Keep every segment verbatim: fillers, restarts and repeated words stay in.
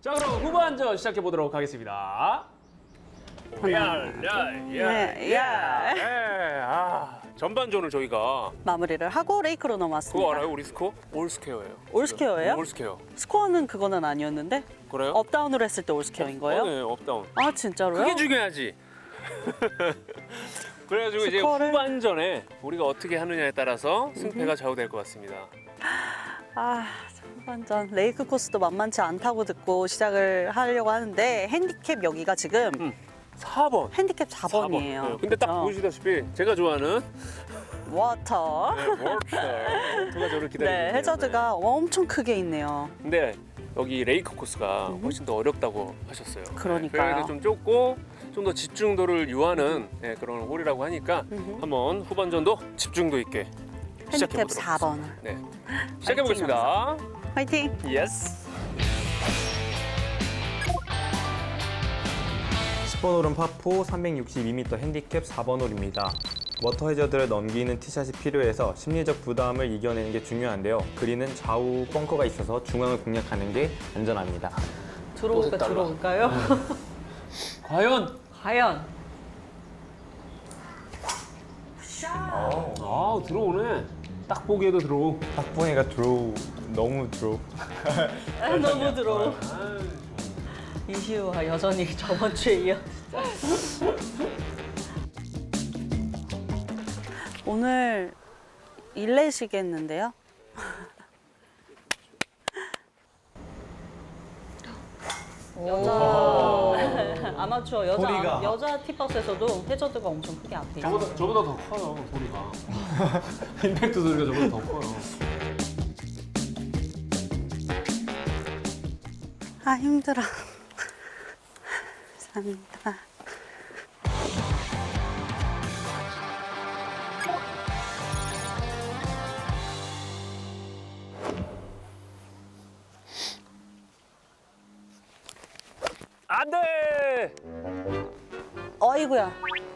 자, 그럼 후반전 시작해 보도록 하겠습니다. 야, 야, 네, 야. 예, 아, 전반전을 저희가 마무리를 하고 레이크로 넘어왔습니다. 그거 알아요? 우리 스코어? 올스퀘어예요. 올스퀘어예요? 올스퀘어. 스코어는 그거는 아니었는데 그래요? 업다운으로 했을 때 올스퀘어인 거예요? 어, 네, 업다운. 아 진짜로요? 그게 중요하지. 그래가지고 이제 스코어를- 후반전에 우리가 어떻게 하느냐에 따라서 승패가 좌우될 것 같습니다. 아 후반전 레이크 코스도 만만치 않다고 듣고 시작을 하려고 하는데 핸디캡 여기가 지금 음. 사 번. 핸디캡 사 번이에요. 네, 근데 딱 보시다시피 제가 좋아하는 워터. 네, 워터. 워터가 저를 기다리고 네, 있네요. 해저드가 엄청 크게 있네요. 근데 여기 레이크 코스가 훨씬 더 어렵다고 하셨어요. 그러니까요. 네, 그래서 좀 좁고 좀 더 집중도를 유하는 네, 그런 홀이라고 하니까 음흠. 한번 후반전도 집중도 있게 시작해 핸디캡 보도록 사 번. 네, 시작해 보겠습니다. 화이팅! 예스. 십 번 홀은 파포 삼백육십이 미터 핸디캡 사 번 홀입니다. 워터 해저드를 넘기는 티샷이 필요해서 심리적 부담을 이겨내는 게 중요한데요. 그린은 좌우 벙커가 있어서 중앙을 공략하는 게 안전합니다. 들어올까 달라. 들어올까요? 과연. 과연 아 들어오네. 딱 보기에도 들어오. 딱 보니까 드로우, 너무 드로우. 아, 너무 들어. 이시우와 여전히 저번 주에 이어. 오늘 일내시겠는데요? 여자 아마추어 여자 소리가. 여자 티박스에서도 해저드가 엄청 크게 앞에 있어요. 저보다 저보다 더 커요 소리가. 임팩트 소리가 저보다 더 커요. 아 힘들어. 감사합니다. 안돼. 어이구야.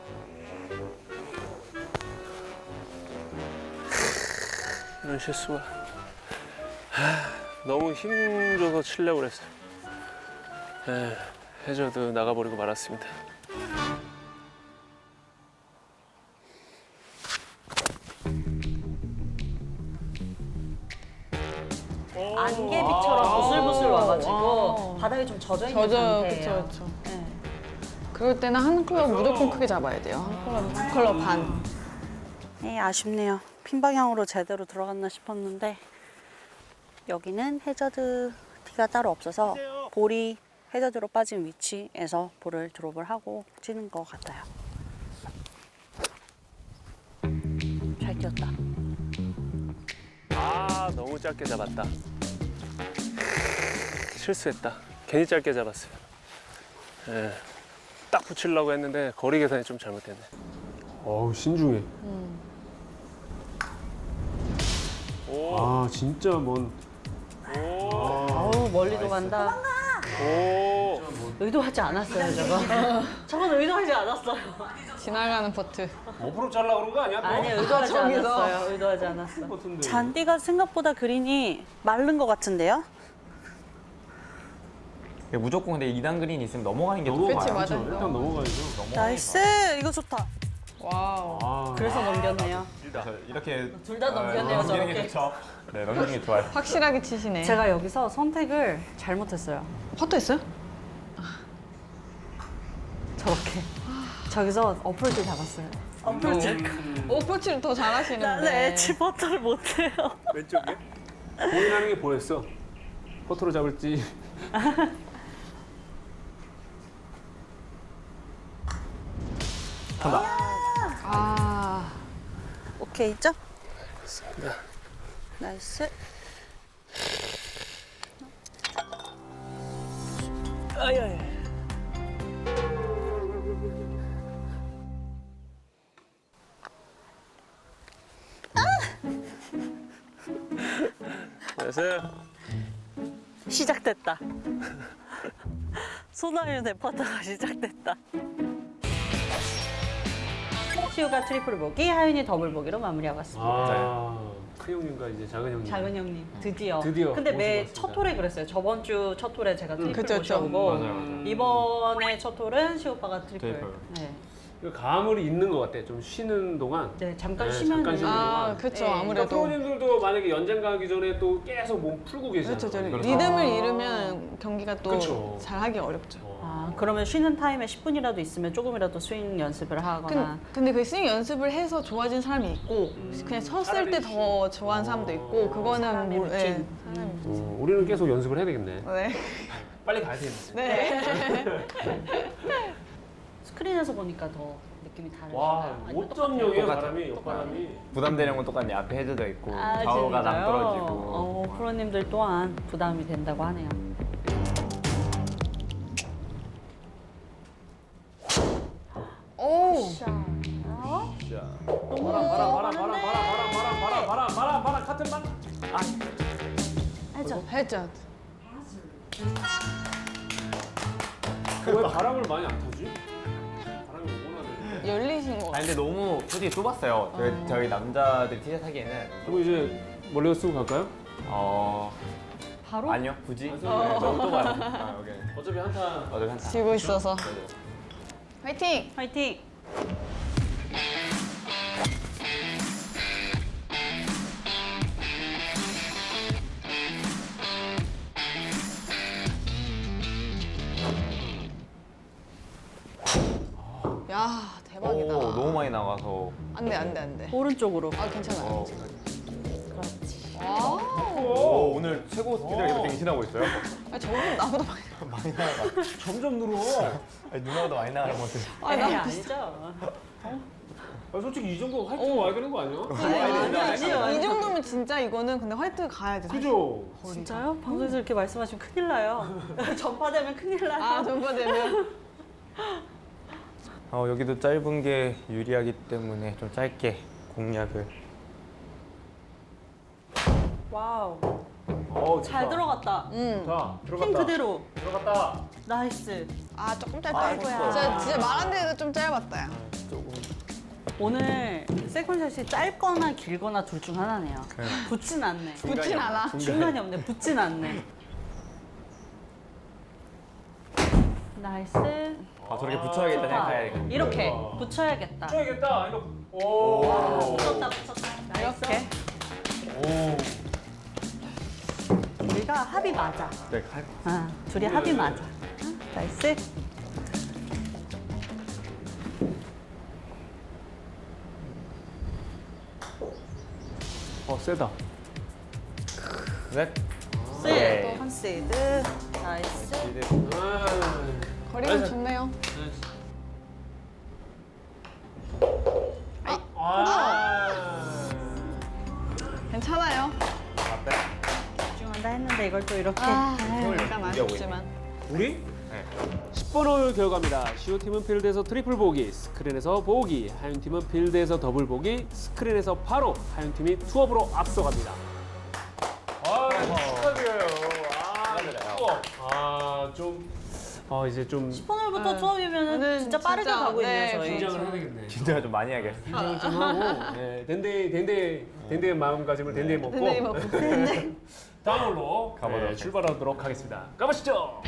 이런 실수가. 하, 너무 힘줘서 치려고 그랬어요. 에, 해저드 나가버리고 말았습니다. 안개비처럼 부슬부슬 와가지고 바닥이 좀 젖어 있는 젖어, 상태예요. 그쵸, 그쵸. 네. 그럴 때는 한 클럽 무조건 크게 잡아야 돼요. 한 클럽, 한 클럽 반. 네, 아쉽네요. 핀 방향으로 제대로 들어갔나 싶었는데 여기는 해저드 티가 따로 없어서 볼이 해저드로 빠진 위치에서 볼을 드롭을 하고 치는 것 같아요. 잘 뛰었다. 아 너무 짧게 잡았다. 실수했다. 괜히 짧게 잡았어요. 예, 딱 붙이려고 했는데 거리 계산이 좀 잘못됐네. 어우 신중해. 오. 아 진짜 먼. 오. 어우 멀리도 간다. 오. 의도하지 않았어요 저거. 저건 의도하지 않았어요. 지나가는 퍼트. 오프로 잘라 그런 거 아니야? 또? 아니 의도하지 저기서. 않았어요. 의도하지 않았어. 같은데. 잔디가 생각보다 그린이 마른 것 같은데요? 무조건 근데 이 단 그린이 있으면 넘어가는 게 더 넘어가요. 그치, 좋아요. 맞아. 일단 넘어가야죠. 나이스 이거 좋다. 와우. 아. 그래서 넘겼네요. 그래서 이렇게 둘 다 넘겼네요, 어, 넘기는 게 저렇게. 좋죠. 네, 넘기는 게 좋아요. 확실하게 치시네. 제가 여기서 선택을 잘못했어요. 퍼트 했어요? 저렇게. 저기서 어플을 잡았어요. 어플 오프치를 더 잘하시는데. 나는 엣지 버터를 못해요. 왼쪽에? 고민하는 게 보였어. 퍼트로 잡을지. 아, 오케이 있죠? 그렇습니다. 나이스. 아야야. 안녕하세요. 시작됐다. 소나유 네퍼터가 시작됐다. 시우가 트리플 보기, 하윤이 더블 보기로 마무리하고 왔습니다. 아, 큰 형님과 이제 작은 형님. 작은 형님 드디어. 드디어 근데 매 모시고 첫 톨에 그랬어요. 저번 주 첫 톨에 제가 트리플 그쵸, 그쵸. 모셔오고 맞아요, 맞아요. 이번에 첫 톨은 시우 오빠가 트리플. 트리플. 네. 그 가물이 있는 것 같아. 좀 쉬는 동안. 네, 잠깐 네, 쉬면 잠깐 쉬는 동안. 아, 그쵸. 네. 그러니까 아무래도. 프로님들도 만약에 연장 가기 전에 또 계속 몸 풀고 계시잖아요. 그렇죠. 저 그렇죠. 리듬을 잃으면 경기가 또 그쵸. 잘하기 어렵죠. 어. 아, 그러면 쉬는 타임에 십 분이라도 있으면 조금이라도 스윙 연습을 하거나. 근, 근데 그 스윙 연습을 해서 좋아진 사람이 있고 그냥 섰을 때 더 좋아하는 사람도 있고 그거는 사람의 뭐, 루틴. 예, 사람의 루틴. 어, 우리는 계속 연습을 해야 되겠네. 네. 빨리 가야 되겠네. 네. 스크린에서 보니까 더 느낌이 다르죠. 와, 오 점 영이에요, 똑같아요. 바람이, 옆바람이. 부담되는 건 똑같네. 앞에 해저드 있고 아, 좌우가 진짜요? 낭떨어지고. 어, 프로님들 또한 부담이 된다고 하네요. 오. 너무 바람, 바람, 바람, 바람, 하는데. 바람, 바람, 바람, 바람, 바람, 바람, 바람, 같은 방. 해줘. 해저. 왜 바람을 많이 안 타지? 바람이 오고 나네. 열리신 거 아 같아요. 근데 너무 솔직히 좁았어요. 저희, 저희 남자들 티셔츠 하기에는 그리고 이제 몰래 쓰고 갈까요? 어 바로? 아니요 굳이 안 네, 써도 너무 좁아요. 아, 여기 어차피 한타. 어차피 한타. 지고 있어서. 네네. 화이팅! 화이팅! 야 대박이다. 오 너무 많이 나가서. 안돼 안돼 안돼. 오른쪽으로. 아 괜찮아요. 어. 그렇지. 와. 오, 오늘 최고 스피드를 계속 갱신하고 있어요. 아 저분 나보다 많이. 많이 나가. 점점 늘어. 아니, 누나보다 많이 나가는 것 같아. 아, 나 아니죠. 아, 솔직히 이 정도 할 줄 와야 되는 거 아니야? 아니, 아니요. 이 정도면 진짜 이거는 근데 화이트 가야 돼. 그죠? 진짜요? 방송에서 이렇게 말씀하시면 큰일 나요. 전파되면 큰일 나요. 아 전파되면. 어, 여기도 짧은 게 유리하기 때문에 좀 짧게 공략을. 와우. 어, 잘 들어갔다. 음. 자, 힘 들어갔다. 그대로. 들어갔다. 나이스. 아 조금 짧다. 아이고야. 진짜 진짜 말한 데도 좀 짧았다. 야. 조금. 오늘 세컨샷이 짧거나 길거나 둘 중 하나네요. 붙진 않네. 붙진 않아. 중간이 없네. 붙진 않네. 나이스. 아 저렇게 붙여야겠다 좋다. 생각해야겠다. 이렇게 붙여야겠다. 쳐야겠다. 이거. 오. 오. 붙였다, 붙였다. 이렇게. 오. 우리가 합이 맞아. 네, 할- 아, 둘이 합이 맞아. 나이스. 어, 세다. 넷. 스. 네. 컨세이드. 나이스. 아. 거리가 좋네요. 아. 괜찮아요. 집중한다 했는데 이걸 또 이렇게. 아, 힘을 약간 이겨 아쉽지만. 우리? 네. 십 번 홀 결과입니다. 시오 팀은 필드에서 트리플 보기, 스크린에서 보기, 하윤 팀은 필드에서 더블 보기, 스크린에서 바로 하윤 팀이 투업으로 앞서갑니다. 아, 축하드려요. 아, 투업. 아, 좀, 어 이제 좀 오늘부터 네. 투업이면 오늘 진짜 빠르게 진짜, 가고 네, 있네요, 저희. 긴장을 해야 되겠네. 긴장을 좀 많이 해야겠어. 긴장을 좀 하고, 네, 덴데이, 덴데이, 덴데이 마음가짐을 덴데이 먹고, 덴데이 먹고. 다음 홀로 가보도록 네, 출발하도록 하겠습니다. 가보시죠.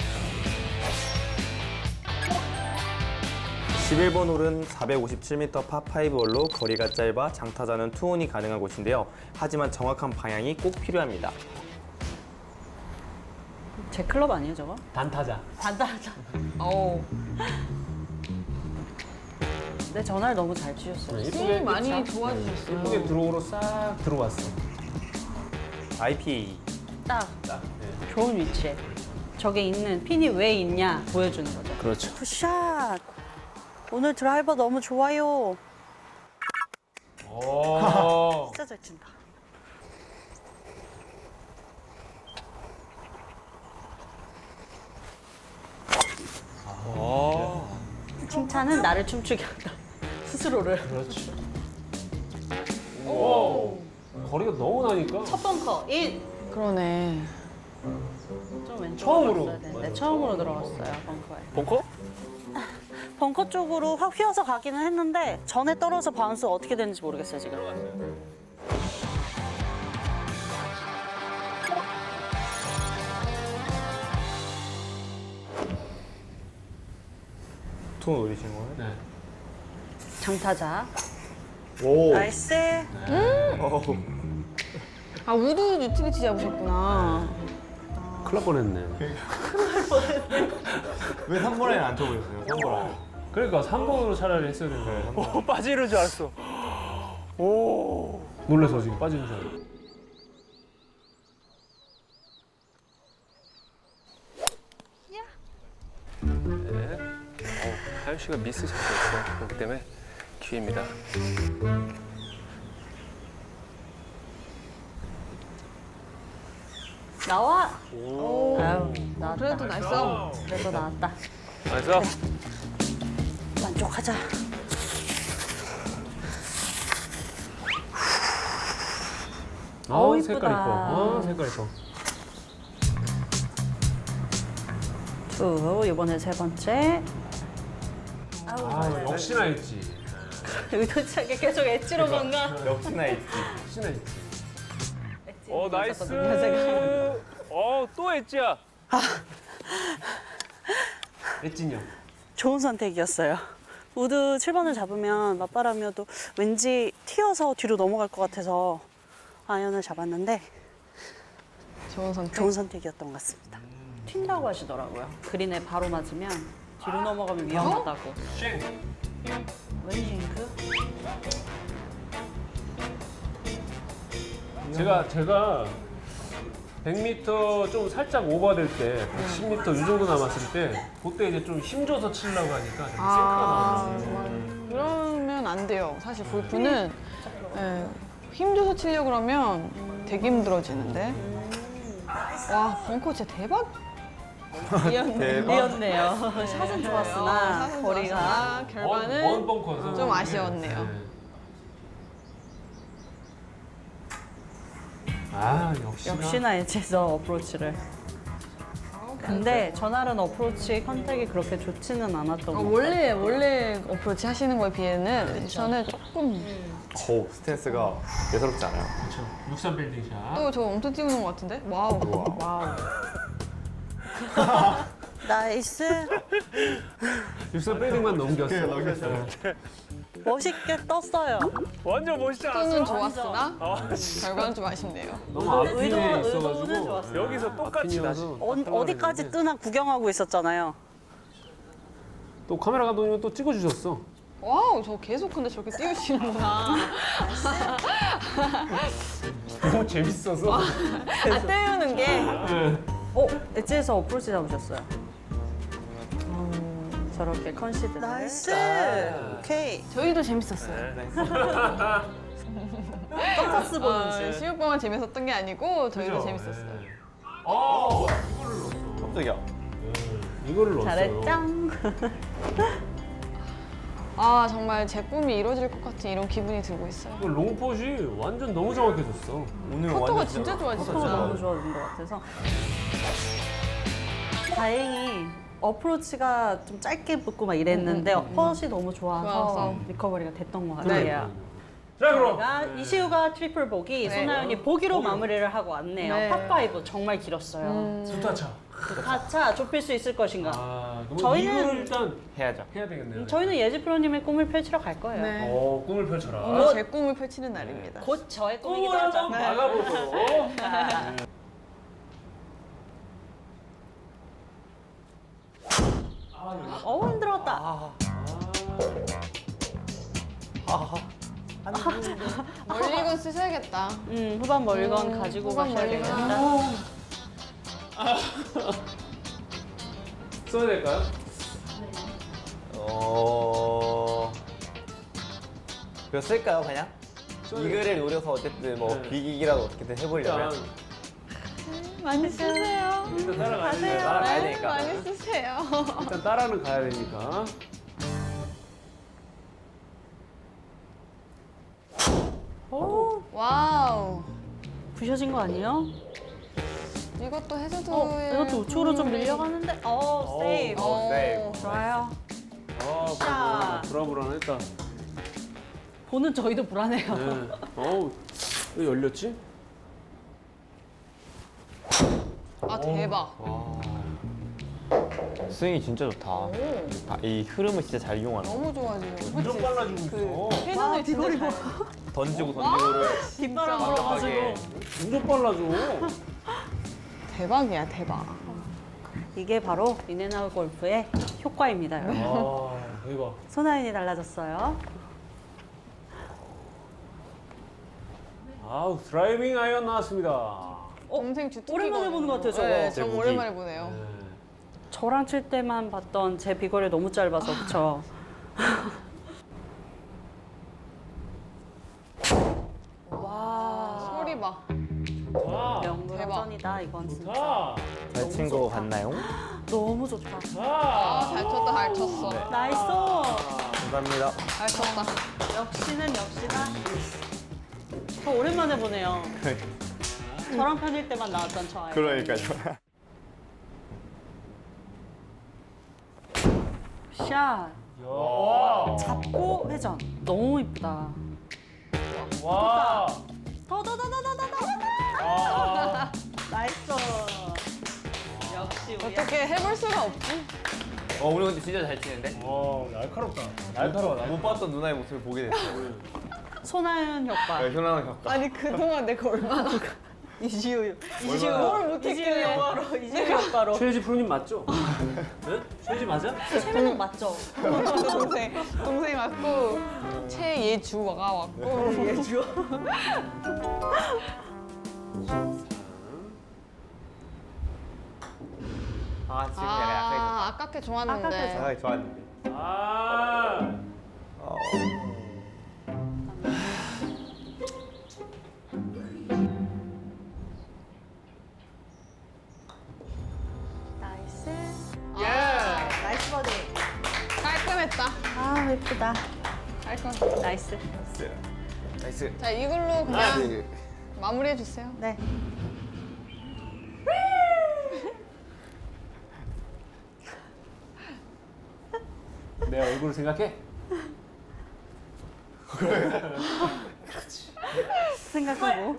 십일 번 홀은 사백오십칠 미터 파파이브 홀로 거리가 짧아 장타자는 투혼이 가능한 곳인데요. 하지만 정확한 방향이 꼭 필요합니다. 제 클럽 아니에요, 저거? 단타자. 단단하자. 어우. 내 전화를 너무 잘 치셨어요. 스윙 많이 도와주셨어요. 예쁘게 드로우로 싹 들어왔어. 아이피에이. 딱 딱. 네. 좋은 위치에. 저게 있는, 핀이 왜 있냐 보여주는 거죠. 그렇죠. 굿샷! 오늘 드라이버 너무 좋아요. 오. 진짜 잘 친다. 오. 칭찬은 나를 춤추게 한다. 스스로를. 그렇지. 오. 거리가 너무 나니까. 첫 벙커 인. 그러네. 좀 왼쪽으로 처음으로. 들어갔어야 되는데 맞아, 처음으로 처음으로. 들어갔어요 벙커에. 벙커? 벙커 쪽으로 확 휘어서 가기는 했는데 전에 떨어져 바운스 어떻게 되는지 모르겠어요 지금. 톤 올리신 거예요? 네. 장타자. 오. 나이스. 어우. 아 우드 유틸리티 잡으셨구나. 큰일 날 뻔했네. 왜 삼 번 라인 안 쳐보셨어요? 삼 번 라인. 그러니까 삼 번으로 차라리 했어야 되는데. 네, 삼 번. 빠지는 줄 알았어. 오. 놀라서 지금 빠지는 줄 알았어. 네. 어, 하윤 씨가 미스 샷이었어요. 그렇기 때문에 기회입니다. 나와. 오. 아유 나왔다. 그래도 나이스. 그래도 나왔다. 나이스. 만족하자. 아, 어우, 색깔 이쁘다. 이뻐. 아, 색깔 이뻐. 두 이번에 세 번째. 아우 아, 역시나 있지. 의도치 않게 계속 엣지로 뭔가. 역시나 있지. 역시나 있지. 어, 나이스. 제가. 어, 또 엣지야. 엣진형. 좋은 선택이었어요. 우드 칠 번을 잡으면 맞바람이어도 왠지 튀어서 뒤로 넘어갈 것 같아서 아이언을 잡았는데 좋은 선택. 좋은 선택이었던 것 같습니다. 튄다고 하시더라고요. 그린에 바로 맞으면 뒤로 넘어가면 위험하다고. 쉥. 웬싱크? 제가 제가 백 미터 좀 살짝 오버될 때, 백십 미터 이 정도 남았을 때, 그때 이제 좀 힘줘서 치려고 하니까 되게 아, 생크가 나왔어요. 그러면 안 돼요. 사실 골프는 예, 힘줘서 치려고 그러면 되게 힘들어지는데. 와, 벙커 진짜 대박. 미었네요. 샷은 좋았으나 샷은 거리가 좋았으나 결과는 먼 벙커여서 좀 아쉬웠네요. 네. 아, 역시나. 역시나 엣지에서 어프로치를. 근데 전날은 어프로치 컨택이 그렇게 좋지는 않았던 어, 것 같아요. 원래 원래 어프로치 하시는 거에 비해는 저는 조금 오, 스탠스가 예사롭지 않아요. 그렇죠. 육삼 빌딩 샷. 또 저 엄청 띄우는 것 같은데? 와우. 와우. 와우. 나이스. 육삼 빌딩만 넘겼어. 네, 넘겼어요. 멋있게 떴어요. 완전 멋있지 또는 좋았으나 결과는 좀 아쉽네요. 너무 앞핀에 의도- 의도는 있어가지고. 좋았어요. 여기서 똑같이 다시. 어, 어디까지 뜨나 구경하고 있었잖아요. 또 카메라 감독님은 또 찍어주셨어. 와우, 저 계속 근데 저렇게 띄우시는구나. 너무 재밌어서. 아, 띄우는 게. 네. 어, 엣지에서 어프로치 잡으셨어요. 음, 저렇게 컨시드. 나이스. 오케이. 저희도 재밌었어요. 깜짝스 보는 어, 줄. 시우빵만 재밌었던 게 아니고 저희도 그죠? 재밌었어요. 네. 아, 이거를 넣었어. 깜짝이야. 네, 이거를 넣었어요. 잘했죠? 아, 정말 제 꿈이 이루어질 것 같은 이런 기분이 들고 있어요. 이거 롱폿이 완전 너무 정확해졌어. 오늘 포토가 완전 진짜 포토가 좋아지셨어요. 너무 좋아진 것 같아서. 다행히 어프로치가 좀 짧게 붙고 막 이랬는데 펫이 너무 좋아서, 좋아서. 리커버리가 됐던 것 네. 같아요. 자, 그럼. 가 이시우가 트리플 보기, 네. 손아연이 보기로 마무리를 하고 왔네요. 네. 팝파이브 정말 길었어요. 음, 두타차. 그 타차 좁힐 수 있을 것인가? 아, 그럼 저희는- 이거를 일단 해야죠. 해야 되겠네요. 음, 저희는 예지 프로님의 꿈을 펼치러 갈 거예요. 네. 어, 꿈을 펼쳐라. 오늘 제 꿈을 펼치는 날입니다. 곧 저의 꿈이기도 꿈을 하죠. 한번 막아보도록. 어우 힘들었다. 멀리건 쓰셔야겠다. 음, 후반 멀건 음, 가지고 후반 가셔야 멀리건. 되겠다. 써야 될까요? 어. 그거 쓸까요, 그냥? 써야 이글을 노려서 어쨌든 뭐 네. 비기기라도 어떻게든 일단, 해보려면 많이 쓰세요. 일단 따라가야 가세요. 되니까. 따라가야 네, 되니까. 많이 쓰세요. 일단 따라는 가야 되니까. 오, 와우. 부셔진 거 아니에요? 이것도 해저드. 어, 이것도 우측으로 좀 밀려가는데. 어, 세이브. 어, 세이브. 좋아요. 아, 불안불안했다. 보는 저희도 불안해요. 네. 어우, 왜 열렸지? 아 대박. 스윙이 진짜 좋다. 아, 이 흐름을 진짜 잘 이용하는 거. 너무 좋아지고. 점점 빨라지고 있어. 회전을 진짜 잘. 던지고 던지고를 뒷바람 불어가지고. 점점 빨라져. 대박이야 대박. 이게 바로 인앤아웃 골프의 효과입니다. 여러분. 아, 대박. 손아인이 달라졌어요. 아우, 드라이빙 아이언 나왔습니다. 동생 주특기거든요. 오랜만에 보는 것 같아요, 저거. 네, 제 저거 무기. 오랜만에 보네요. 네. 저랑 칠 때만 봤던 제 비거리 너무 짧아서 그쵸? 와 소리 봐. 좋다. 명불허전이다 이건 진짜. 좋다. 잘 친 거 같나요? 너무 좋다. 아, 잘 쳤다 잘 쳤어. 나이스. 감사합니다. 잘 쳤다. 역시는 역시다. 저 오랜만에 보네요. 저랑 편일 때만 나왔던 저 아이. 그러니까요. 샷. 와. 잡고 회전. 너무 이쁘다. 와. 더더더더더더. 아. 나이스. 역시 우리 어떻게 해볼 수가 없지? 어, 오늘 근데 진짜 잘 치는데? 와, 날카롭다. 날카로워. 날카로워. 못 봤던 누나의 모습을 보게 됐어요. 손아연 효과. 네, 현황을 갖고. 아니 그동안 내가 얼마나 이지우. 이지우. 얼마나- 뭘 못했길래. 이지우 효과로. 이지우 효과로. 최혜지 프로님 맞죠? 네? 최혜지 맞아? 최민욱 맞죠? 동생 동생 왔고 최예주가 왔고 예주. 아, 지금 약간 아 아깝게 좋았는데 아깝게 좋았- 약간 좋았는데. 아. 어. 나이스. 예. 나이스 버디. 깔끔했다. 아 예쁘다. 깔끔. 나이스. 나이스. 자 이걸로 그냥 네. 마무리해 주세요. 네. 내 얼굴을 생각해? 생각하고.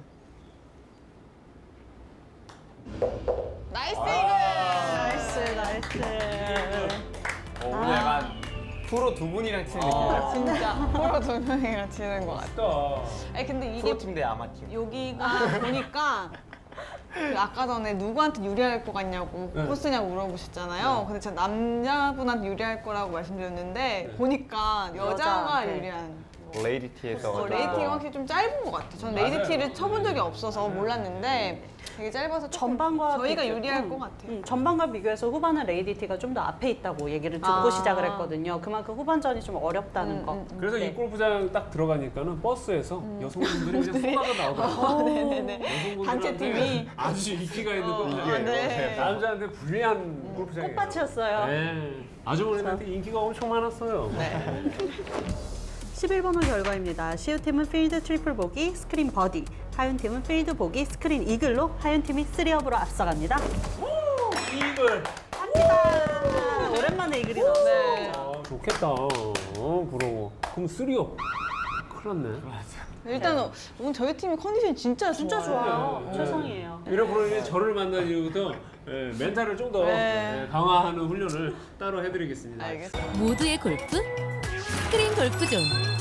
나이스 이글. 나이스 나이스. 어, 오늘 약간 프로 두 분이랑 치는 느낌이야. 진짜 프로 두 명이랑 치는 것 같아. 맞다. 아니 근데 이게 프로팀 대 아마팀. 여기가 보니까 그 아까 전에 누구한테 유리할 것 같냐고 네. 코스냐고 물어보셨잖아요. 근데 제가 남자분한테 유리할 거라고 말씀드렸는데 보니까 여자가 여자한테. 유리한. 레이디티에서. 어, 레이티가 확실히 좀 짧은 것 같아요. 저는 레이디티를 쳐본 적이 없어서 몰랐는데 되게 짧아서 조금 전반과 저희가 비교- 유리할 음, 것 같아요. 음, 전반과 비교해서 후반은 레이디티가 좀 더 앞에 있다고 얘기를 듣고 아. 시작을 했거든요. 그만큼 후반전이 좀 어렵다는 음, 거. 음, 음. 그래서 네. 이 골프장 딱 들어가니까는 버스에서 여성분들이 그냥 쏟아져 나오더라고요. 어, 네네네. 여성분들한테 단체 팀이 아주 인기가 있는 어, 골프장이에요. 네. 남자한테 불리한 골프장이에요. 꽃밭이었어요. 네. 아주머니한테 인기가 엄청 많았어요. 네. 십일 번 홀 결과입니다. 시우팀은 필드 트리플 보기, 스크린 버디. 하윤팀은 필드 보기, 스크린 이글로 하윤팀이 쓰리업으로 앞서갑니다. 이글. 갑니다. 오랜만에 이글이 나왔어요. 네. 아, 좋겠다. 어, 부러워. 그럼 쓰리업. 큰일 났네. 일단 오늘 저희 팀이 컨디션이 진짜 진짜 좋아요. 좋아요. 네. 최상이에요. 이런 프로님이 저를 만난 이후부터 예, 멘탈을 좀 더 네. 강화하는 훈련을 따로 해드리겠습니다. 알겠습니다. 모두의 골프 스크린 골프존